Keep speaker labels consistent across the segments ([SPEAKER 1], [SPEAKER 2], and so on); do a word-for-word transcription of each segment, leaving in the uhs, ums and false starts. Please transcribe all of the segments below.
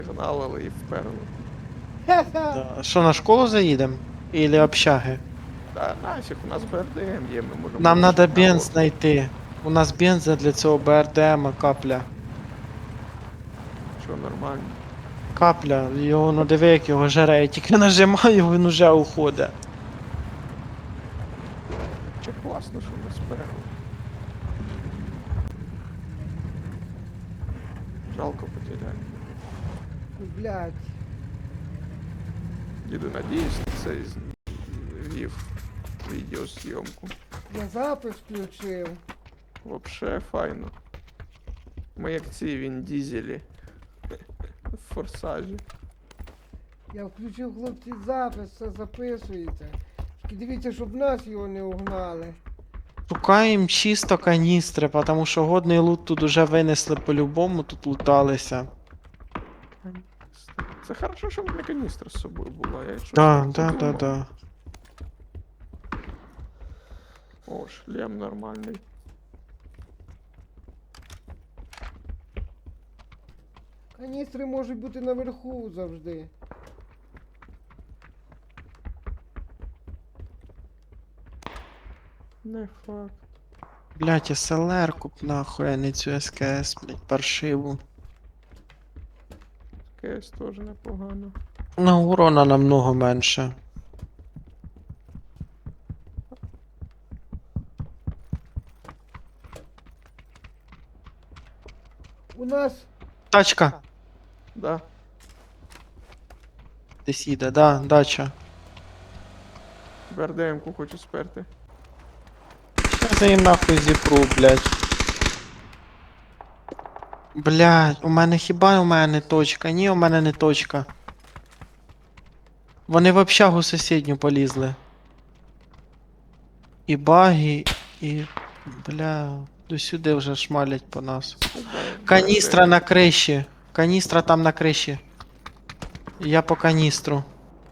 [SPEAKER 1] Гналили і вперли.
[SPEAKER 2] Да. Що, на школу заїдемо? Ілі общаги?
[SPEAKER 1] Та нафіг, у нас БРДМ є, ми можемо
[SPEAKER 2] Нам
[SPEAKER 1] випустити
[SPEAKER 2] треба бенз
[SPEAKER 1] народ.
[SPEAKER 2] знайти. У нас бенза для цього БРДМа капля.
[SPEAKER 1] Що нормально.
[SPEAKER 2] Капля, його, ну диви, як його жере, я тільки нажимаю, він уже уходить.
[SPEAKER 1] Чи класно, що ми сперли. Жалко потеряли.
[SPEAKER 3] Блядь.
[SPEAKER 1] Діду, надіюсь, це вів відеозйомку.
[SPEAKER 3] Я запис включив.
[SPEAKER 1] Вообще файно. Ми як ці він дізелі. В форсажі.
[SPEAKER 3] Я включив, хлопці, запис, все записується. Тільки дивіться, щоб нас його не угнали.
[SPEAKER 2] Шукаємо чисто каністри, тому що годний лут тут уже винесли по-любому, тут луталися.
[SPEAKER 1] Це хорошо, що в мене каністра з собою була. Я щось
[SPEAKER 2] Да,
[SPEAKER 1] так
[SPEAKER 2] да, да,
[SPEAKER 1] подумав.
[SPEAKER 2] да.
[SPEAKER 1] О, шлем нормальний.
[SPEAKER 3] Каністри можуть бути наверху завжди.
[SPEAKER 1] Не факт.
[SPEAKER 2] Блять, СЛР куп нахуй, а не цю СКС, блять, паршиву.
[SPEAKER 1] КС теж непогано.
[SPEAKER 2] Ну, урона намного менше.
[SPEAKER 3] У нас
[SPEAKER 2] Тачка!
[SPEAKER 1] Да.
[SPEAKER 2] Десь їде, да, дача.
[SPEAKER 1] БРДМ-ку хочу сперти.
[SPEAKER 2] Щас я їм нахуй зіпру, блять. Блять, у мене хіба у мене не точка? Ні, у мене не точка. Вони в общагу сусідню полізли. І баги, і. Бля, до сюди вже шмалять по нас. Каністра на криші. Каністра там на криші. Я по каністру.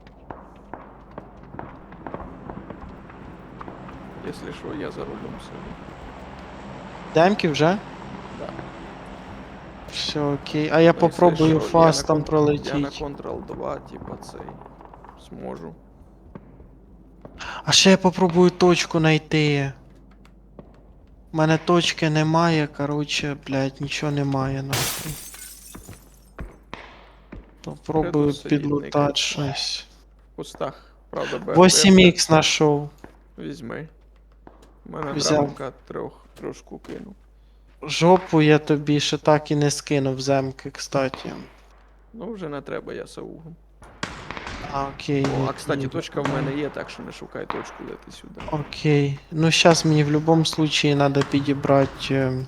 [SPEAKER 1] Якщо що, я за рулем сиджу.
[SPEAKER 2] Демки вже?
[SPEAKER 1] Да.
[SPEAKER 2] Все окей. А я
[SPEAKER 1] Ну,
[SPEAKER 2] попробую
[SPEAKER 1] якщо що, я
[SPEAKER 2] фастом
[SPEAKER 1] на кон- Я на
[SPEAKER 2] пролетіть.
[SPEAKER 1] Ctrl два, типа цей. Зможу.
[SPEAKER 2] А ще я попробую точку знайти. У мене точки немає, короче, блядь, нічого немає нахуй. Попробую
[SPEAKER 1] Придурок сидіть,
[SPEAKER 2] підлутати
[SPEAKER 1] никать.
[SPEAKER 2] щось.
[SPEAKER 1] В кустах. Правда, БРДМ.
[SPEAKER 2] вісім ікс знайшов.
[SPEAKER 1] Візьми. У мене
[SPEAKER 2] Взяв.
[SPEAKER 1] драмка трьох трошку кинув.
[SPEAKER 2] Жопу я тобі ще так і не скинув земки, кстати.
[SPEAKER 1] Ну вже не треба, я саугом.
[SPEAKER 2] А, окей.
[SPEAKER 1] О,
[SPEAKER 2] ні,
[SPEAKER 1] а кстати,
[SPEAKER 2] ні.
[SPEAKER 1] точка в мене є, так що не шукай точку, лети сюди.
[SPEAKER 2] Окей. Ну сейчас мені в любом случае надо підібрати. Е...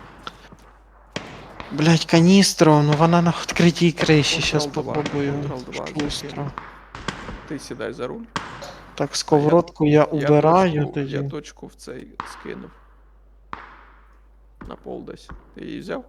[SPEAKER 2] Блять, каністру, ну вона на відкритій криші, щас
[SPEAKER 1] Ctrl два,
[SPEAKER 2] попробую.
[SPEAKER 1] Ctrl два
[SPEAKER 2] Шустро.
[SPEAKER 1] закину. Ти сідай за руль.
[SPEAKER 2] Так, сковородку я, убираю
[SPEAKER 1] я точку,
[SPEAKER 2] тоді.
[SPEAKER 1] Я точку в цей скинув. На пол десь. Ти її взяв?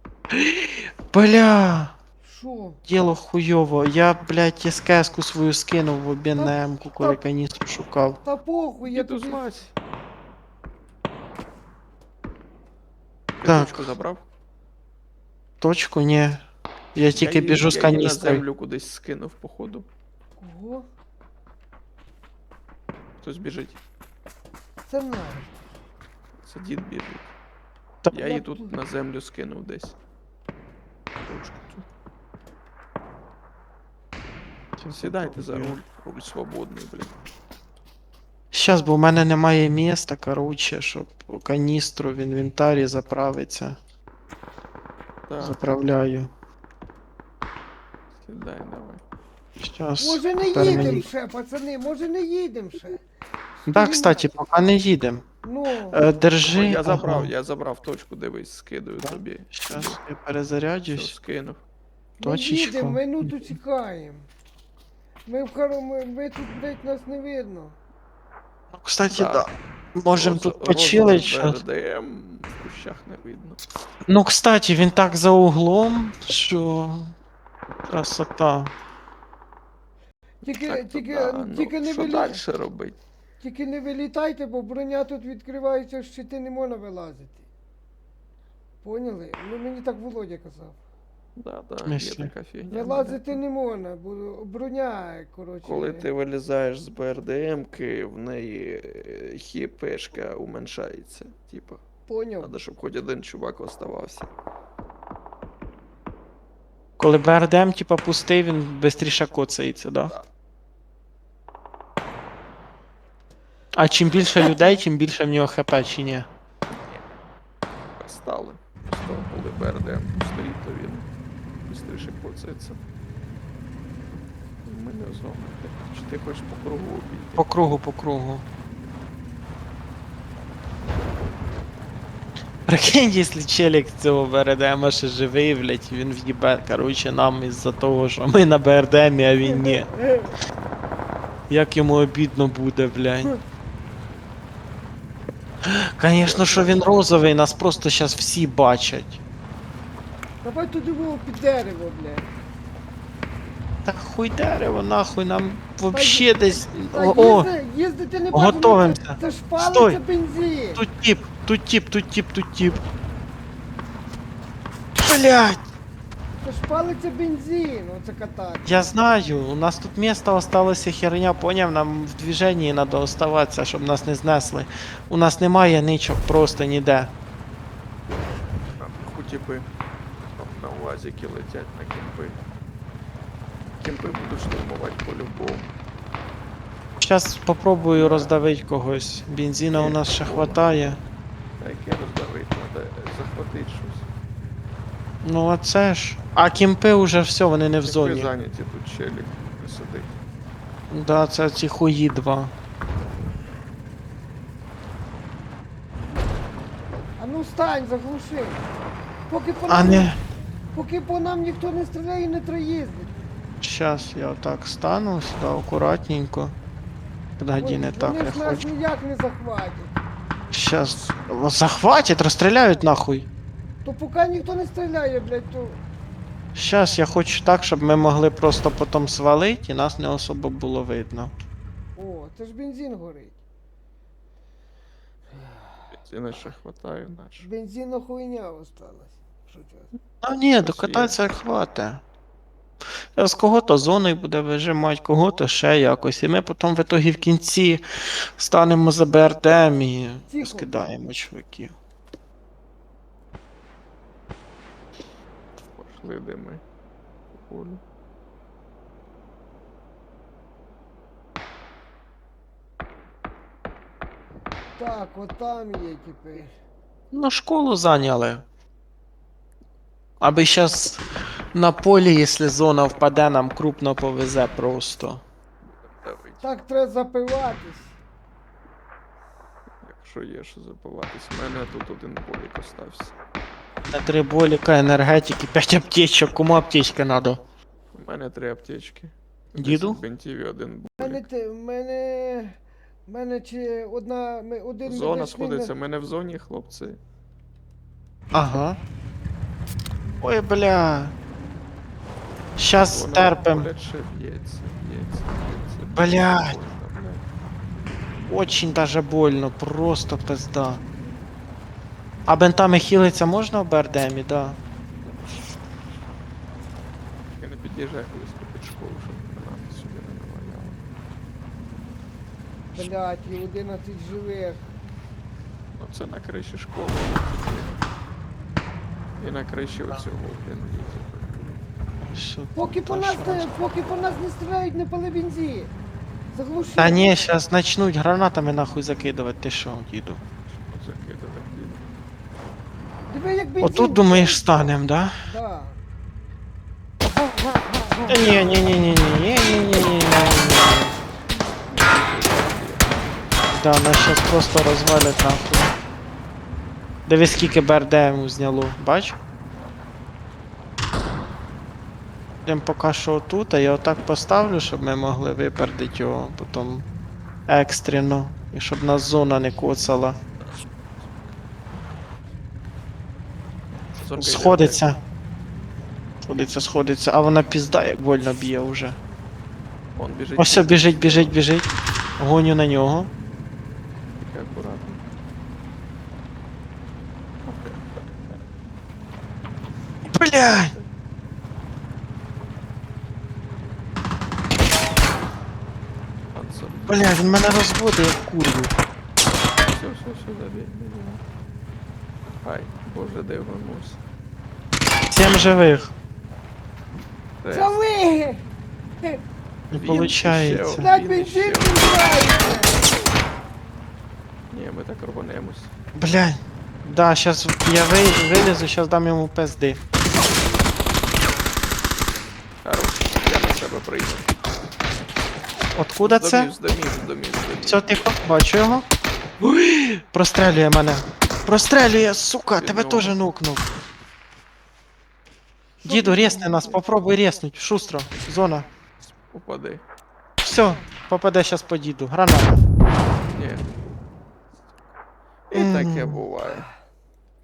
[SPEAKER 2] Бля!
[SPEAKER 3] що?
[SPEAKER 2] Діло хуйово. Я, блядь, СКС-ку свою скинув в обмін на М-ку, коли
[SPEAKER 3] та-
[SPEAKER 2] каністру шукав.
[SPEAKER 3] Та похуй, я
[SPEAKER 1] Діду
[SPEAKER 3] тобі...
[SPEAKER 1] злазь. Ти
[SPEAKER 2] Так.
[SPEAKER 1] точку забрав?
[SPEAKER 2] Точку, ні. Я тільки
[SPEAKER 1] її-
[SPEAKER 2] біжу з
[SPEAKER 1] Я її на
[SPEAKER 2] каністрою.
[SPEAKER 1] землю кудись скинув, походу.
[SPEAKER 3] Кого?
[SPEAKER 1] Хтось біжить.
[SPEAKER 3] Це наш.
[SPEAKER 1] Це дід біжить.
[SPEAKER 2] Та-
[SPEAKER 1] Я її тут на землю скинув десь. Точку цю. Сідайте за руль. Руль свободний, блін.
[SPEAKER 2] Щас, бо в мене немає міста, короче, щоб каністру в інвентарі заправиться.
[SPEAKER 1] Так,
[SPEAKER 2] Заправляю.
[SPEAKER 1] сідай, давай.
[SPEAKER 2] Щас.
[SPEAKER 3] Може не
[SPEAKER 2] тепер
[SPEAKER 3] їдем
[SPEAKER 2] мені-
[SPEAKER 3] ще, пацани, може не їдем ще.
[SPEAKER 2] Да, кстати, поки не їдем.
[SPEAKER 3] Ну,
[SPEAKER 2] Е, держи.
[SPEAKER 1] О, я забрав,
[SPEAKER 2] ага.
[SPEAKER 1] я забрав точку, дивись, скидаю
[SPEAKER 2] Да?
[SPEAKER 1] тобі.
[SPEAKER 2] Щас я
[SPEAKER 1] Все,
[SPEAKER 2] перезаряджусь.
[SPEAKER 1] скинув.
[SPEAKER 3] не
[SPEAKER 2] точечку.
[SPEAKER 3] їдем, минуту чекаємо. Ми в хоромі, ми тут, блядь, нас не видно.
[SPEAKER 2] Ну, кстати,
[SPEAKER 1] Да.
[SPEAKER 2] да. Можем
[SPEAKER 1] Роза-
[SPEAKER 2] тут
[SPEAKER 1] розовий
[SPEAKER 2] почилить щас.
[SPEAKER 1] БРДМ в кущах не видно.
[SPEAKER 2] Ну, кстати, він так за углом, що. Красота.
[SPEAKER 3] Тільки,
[SPEAKER 1] Так, то
[SPEAKER 3] тільки,
[SPEAKER 1] да, ну,
[SPEAKER 3] тільки, не
[SPEAKER 1] що
[SPEAKER 3] вилі...
[SPEAKER 1] далі робити?
[SPEAKER 3] тільки не вилітайте, бо броня тут відкривається, щити не можна вилазити. Поняли? Ну мені так Володя казав.
[SPEAKER 1] Да,
[SPEAKER 2] В
[SPEAKER 1] да, є
[SPEAKER 2] смислі?
[SPEAKER 1] така фігня.
[SPEAKER 3] Вилазити не можна, бо броня, коротше.
[SPEAKER 1] Коли ти вилізаєш з БРДМки, в неї е, хіпешка уменшається. Типа,
[SPEAKER 3] Поняв?
[SPEAKER 1] треба, щоб хоч один чувак оставався.
[SPEAKER 2] Коли БРДМ, типа, пустий, він швидше коцається, да?
[SPEAKER 1] Да.
[SPEAKER 2] А чим більше людей, тим більше в нього хп, чи ні?
[SPEAKER 1] Стали. Просто коли БРДМ стоїть, то він швидше коцається. Ми не зони. Чи ти хочеш по кругу обійти?
[SPEAKER 2] По кругу, по кругу. Прикинь, якщо челік з цього БРДМа ще живий, блять, він в'їбе, короче, нам із-за того, що ми на БРДМі, а він ні. Як йому обідно буде, блядь. Конечно, що він розовий, нас просто зараз всі бачать.
[SPEAKER 3] Давай туди було під дерево, блядь.
[SPEAKER 2] Так хуй дерево, нахуй, нам вообще десь.
[SPEAKER 3] Та
[SPEAKER 2] О, о,
[SPEAKER 3] їзди, їздити не бачу,
[SPEAKER 2] готовимся.
[SPEAKER 3] ну Це, це ж палиться
[SPEAKER 2] Стой.
[SPEAKER 3] бензин.
[SPEAKER 2] тут тип, тут тип, тут тип, тут тип. Блять,
[SPEAKER 3] Це ж палиться бензин, оце катати.
[SPEAKER 2] я знаю, у нас тут місто осталося херня, поняв, нам в движенні треба оставатися, щоб нас не знесли. У нас немає ничок просто ніде.
[SPEAKER 1] Хоті би на УАЗики летять на кемпи. Кемпи будуть штурмувати по-любому.
[SPEAKER 2] Зараз попробую роздавити когось. Бензина у нас ще хватає.
[SPEAKER 1] А яке роздавити, треба захватити щось.
[SPEAKER 2] Ну а це ж. А кімпи уже все, вони не в
[SPEAKER 1] Кемпи
[SPEAKER 2] зоні.
[SPEAKER 1] зайняті, тут челік не сидить.
[SPEAKER 2] Да, це ці хуї два.
[SPEAKER 3] А ну стань, заглуши. Поки по
[SPEAKER 2] А
[SPEAKER 3] нам,
[SPEAKER 2] не.
[SPEAKER 3] поки по нам ніхто не стріляє, не треба їздити.
[SPEAKER 2] Сейчас я отак стану сюди акуратненько. Подожди,
[SPEAKER 3] Ой,
[SPEAKER 2] не так,
[SPEAKER 3] вони
[SPEAKER 2] я
[SPEAKER 3] ж нас
[SPEAKER 2] хочу.
[SPEAKER 3] ніяк не захватять.
[SPEAKER 2] Сейчас. Захватять, розстріляють нахуй.
[SPEAKER 3] То поки ніхто не стріляє, блядь, то...
[SPEAKER 2] Сейчас я хочу так, щоб ми могли просто потім свалити і нас не особо було видно.
[SPEAKER 3] О, це ж бензин горить.
[SPEAKER 1] Бензина ще хватає, наш.
[SPEAKER 3] Бензинна хуйня осталась. Що це?
[SPEAKER 2] А ні, докататися хватить. З кого-то зоною буде вижимати, кого-то ще якось. І ми потім в итогі в кінці станемо за БРДМ і
[SPEAKER 3] Тихо.
[SPEAKER 2] скидаємо чуваків.
[SPEAKER 1] Пошли де ми. По полю.
[SPEAKER 3] Так, от там є тепер.
[SPEAKER 2] Ну, школу зайняли. Аби зараз на полі, якщо зона впаде, нам крупно повезе просто.
[SPEAKER 1] Давить.
[SPEAKER 3] Так треба запиватись.
[SPEAKER 1] Якщо є що забиватись. У мене тут один полік остався.
[SPEAKER 2] На три боліка, енергетики, п'ять аптечок. Кому аптечка надо?
[SPEAKER 1] У мене три аптечки.
[SPEAKER 2] Діду?
[SPEAKER 1] десять бинтів і один
[SPEAKER 3] У мене,
[SPEAKER 1] болік.
[SPEAKER 3] те- в мене, в мене чи одна, ми- один
[SPEAKER 1] Зона
[SPEAKER 3] медичний
[SPEAKER 1] сходиться,
[SPEAKER 3] не-
[SPEAKER 1] ми не в зоні, хлопці.
[SPEAKER 2] Ага. Ой, бля. Щас
[SPEAKER 1] Вона
[SPEAKER 2] терпим.
[SPEAKER 1] поряд ще б'ється, б'ється, б'ється.
[SPEAKER 2] Блядь.
[SPEAKER 1] Больно, блядь.
[SPEAKER 2] Очень даже больно, просто пизда. А бентами хілиться можна в БРДМі, да?
[SPEAKER 1] Я не під'їжджаю близько під школу, щоб вона сюди не наваляла.
[SPEAKER 3] Блядь, і одинадцять живих.
[SPEAKER 1] Ну це на криші школи. І на криші оцього, блін, є.
[SPEAKER 2] Що
[SPEAKER 3] Поки
[SPEAKER 2] тут
[SPEAKER 3] по нас,
[SPEAKER 2] аж-
[SPEAKER 3] не, поки по нас не стріляють, не пали бензин. Заглуши.
[SPEAKER 2] Та ні, щас начнуть гранатами нахуй закидувати, ти що, діду?
[SPEAKER 1] Закидати, блін.
[SPEAKER 3] Диви, як бензин.
[SPEAKER 2] Отут думаєш станем, да?
[SPEAKER 3] Да.
[SPEAKER 2] Та ні, ні, ні, ні, ні, ні, ні, ні, ні, ні. Да, нас щас просто розвалять нахуй. Дивись, скільки БРДМ зняло, бач? Йдем поки що отут, а я отак поставлю, щоб ми могли випередити його потім екстрено. І щоб нас зона не коцала.
[SPEAKER 1] Зорка йде
[SPEAKER 2] Сходиться. Сходиться, сходиться, а вона пізда, як больно б'є вже.
[SPEAKER 1] вверх. Он біжить.
[SPEAKER 2] Ось все, біжить, біжить, біжить. Гоню на нього.
[SPEAKER 1] Тільки акуратно.
[SPEAKER 2] Блядь!
[SPEAKER 1] п'ятсот.
[SPEAKER 2] Бля, він мене розводить як курву.
[SPEAKER 1] Все, все, все, забей. Ай, боже, де вернувся.
[SPEAKER 2] Сім живих.
[SPEAKER 1] Рез.
[SPEAKER 3] Це ви!
[SPEAKER 2] Не
[SPEAKER 1] Він ще
[SPEAKER 2] получається.
[SPEAKER 1] один.
[SPEAKER 3] На
[SPEAKER 1] Він
[SPEAKER 3] бензин
[SPEAKER 1] ще.
[SPEAKER 3] підбираєте!
[SPEAKER 1] Ні, ми так рванемось.
[SPEAKER 2] Блядь. Да, щас я вий- вилізу, щас дам йому пизди.
[SPEAKER 1] Хорош, я на себе прийду.
[SPEAKER 2] Откуда
[SPEAKER 1] З
[SPEAKER 2] це?
[SPEAKER 1] домів, з домів, з домів, з домів.
[SPEAKER 2] Все, тихо, бачу його. Ой, прострелює мене. Прострелює, сука,
[SPEAKER 1] Від
[SPEAKER 2] тебе
[SPEAKER 1] нього.
[SPEAKER 2] теж нукнув. Діду, рєсни нас, попробуй рєснуть. Шустро, зона.
[SPEAKER 1] Упади.
[SPEAKER 2] Все, попаде щас по діду. Граната.
[SPEAKER 1] Ні. І таке
[SPEAKER 2] М.
[SPEAKER 1] буває.